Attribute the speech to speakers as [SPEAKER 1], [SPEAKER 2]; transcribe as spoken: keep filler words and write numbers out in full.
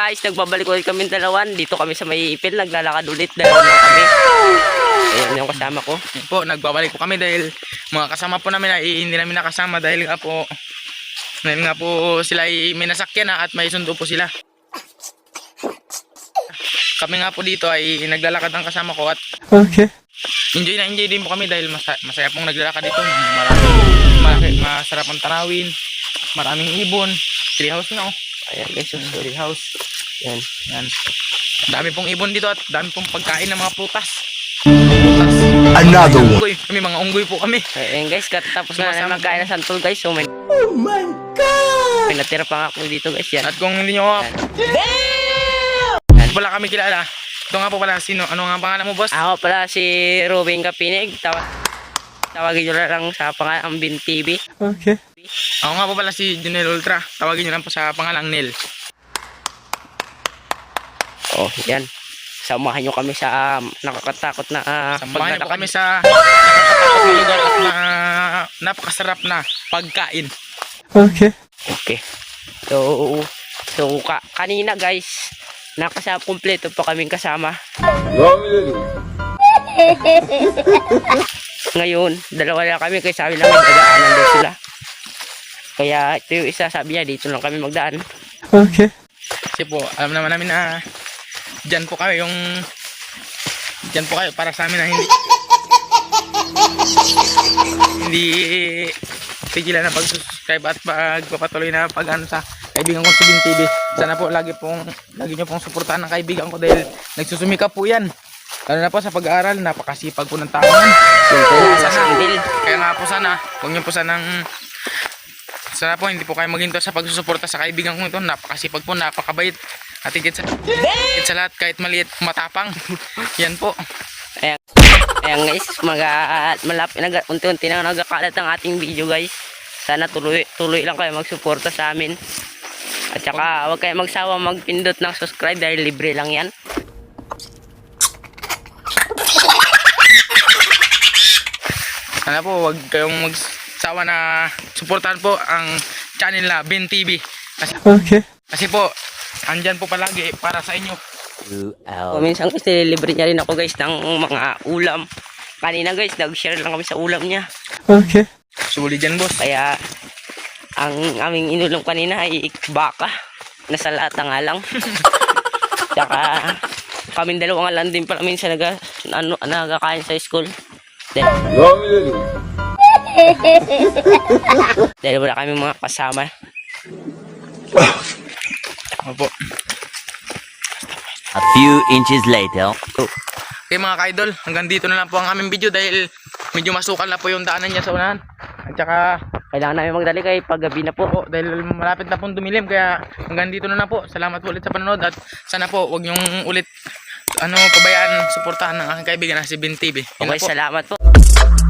[SPEAKER 1] guys, nagbabalik ulit kami dalawan. Dito kami sa may ipil, naglalakad ulit. Dalawan lang kami. Ayan yung kasama ko.
[SPEAKER 2] Yan po, nagbabalik po kami dahil mga kasama po namin ay hindi namin nakasama dahil nga po dahil nga po sila ay may nasakyan na at may sundo po sila. Kami nga po dito ay naglalakad ang kasama ko at
[SPEAKER 3] Okay.
[SPEAKER 2] enjoy na enjoy din po kami dahil masaya, masaya pong naglalakad dito. Maraming malaki, masarap ang tanawin, maraming ibon, tree house na oh.
[SPEAKER 1] Ayan guys, so sorry.
[SPEAKER 2] Tree house.
[SPEAKER 1] Yan.
[SPEAKER 2] Yan. Dami pong ibon dito at dami pong pagkain ng mga prutas. Prutas.
[SPEAKER 3] Another one.
[SPEAKER 2] Unggoy. Kami mga unggoy po kami.
[SPEAKER 1] Ayan guys, katapos na
[SPEAKER 2] Sumasama
[SPEAKER 1] namin magkain ng santol guys. So may,
[SPEAKER 3] Oh my God!
[SPEAKER 1] may natira pa nga ako dito guys. Yan.
[SPEAKER 2] At kung hindi nyo ako, wala kami kilala. Ito nga po pala, sino? Ano nga ang pangalan mo, boss?
[SPEAKER 1] Ako pala si Ruben Kapinig. Tawa tawagin nyo na lang sa pangalang Bin T V.
[SPEAKER 3] Okay.
[SPEAKER 2] Ako nga po pala si Junel Ultra. Tawagin nyo lang po sa pangalang Nel.
[SPEAKER 1] Oh, yan. Samahan nyo kami sa um, nakakatakot na uh,
[SPEAKER 2] Samahan nyo po kami sa nakakatakot na lugar at na napakasarap na pagkain.
[SPEAKER 3] Okay.
[SPEAKER 1] Okay. So, so ka kanina guys, nakasama kumpleto pa kaming kasama. Ngayon, dalawa lang kami kaya sabi lang magdaanan daw sila. Kaya ito yung isa sabi niya dito lang kami magdaan.
[SPEAKER 3] Okay.
[SPEAKER 2] Kasi po, alam naman namin na dyan po kayo yung dyan po kayo para sa amin na hindi hindi tigilan na pag-subscribe at pagpapatuloy na pag ano sa kaibigan ko si Bin T V. Sana po lagi pong lagi nyo pong suportahan ng kaibigan ko dahil nagsusumikap po yan. Lalo na po sa pag-aaral, napakasipag po ng tao yan.
[SPEAKER 1] Kaya
[SPEAKER 2] Sana,
[SPEAKER 1] Sindel.
[SPEAKER 2] kaya nga po sana, huwag nyo po sanang sana po hindi po kayo maghinto sa pagsusuporta sa kaibigan ko ito. Napakasipag po, napakabait. At higit sa, higit sa lahat, kahit maliit, matapang. Yan po.
[SPEAKER 1] Ayan, ayan guys, mag malapit na unti-unti na nagkakalat ang ating video guys. Sana tuloy tuloy lang kayo magsuporta sa amin. At saka huwag kayo magsawa magpindot ng subscribe dahil libre lang yan.
[SPEAKER 2] Sana po huwag kayong magsawa na suportahan po ang channel na Bin T V. Kasi,
[SPEAKER 3] Okay.
[SPEAKER 2] kasi po, andyan po palagi para sa inyo.
[SPEAKER 1] O minsan guys, nililibre niya rin ako guys ng mga ulam. Kanina guys, nag-share lang kami sa ulam niya.
[SPEAKER 3] Okay.
[SPEAKER 2] Sulit dyan, boss.
[SPEAKER 1] Kaya ang aming inulam kanina ay baka. Nasa lata nga lang. Tsaka kaming dalawa nga lang din pala minsan naga, ano, nagkakain sa school. Dahil, dahil wala kami mga kasama.
[SPEAKER 2] Opo.
[SPEAKER 4] A few inches later.
[SPEAKER 2] Okay mga ka-idol, hanggang dito na lang po ang aming video dahil medyo masukal na po yung daanan niya sa unahan. At saka,
[SPEAKER 1] Kailangan namin magdali kay paggabi na po.
[SPEAKER 2] po, dahil malapit na pong dumilim, kaya hanggang dito na lang po. Salamat po ulit sa panonood at sana po huwag niyong ulit ano pabayaan, suportahan ng aking kaibigan na si Bin T V. Yun
[SPEAKER 1] Okay,
[SPEAKER 2] na po.
[SPEAKER 1] salamat po.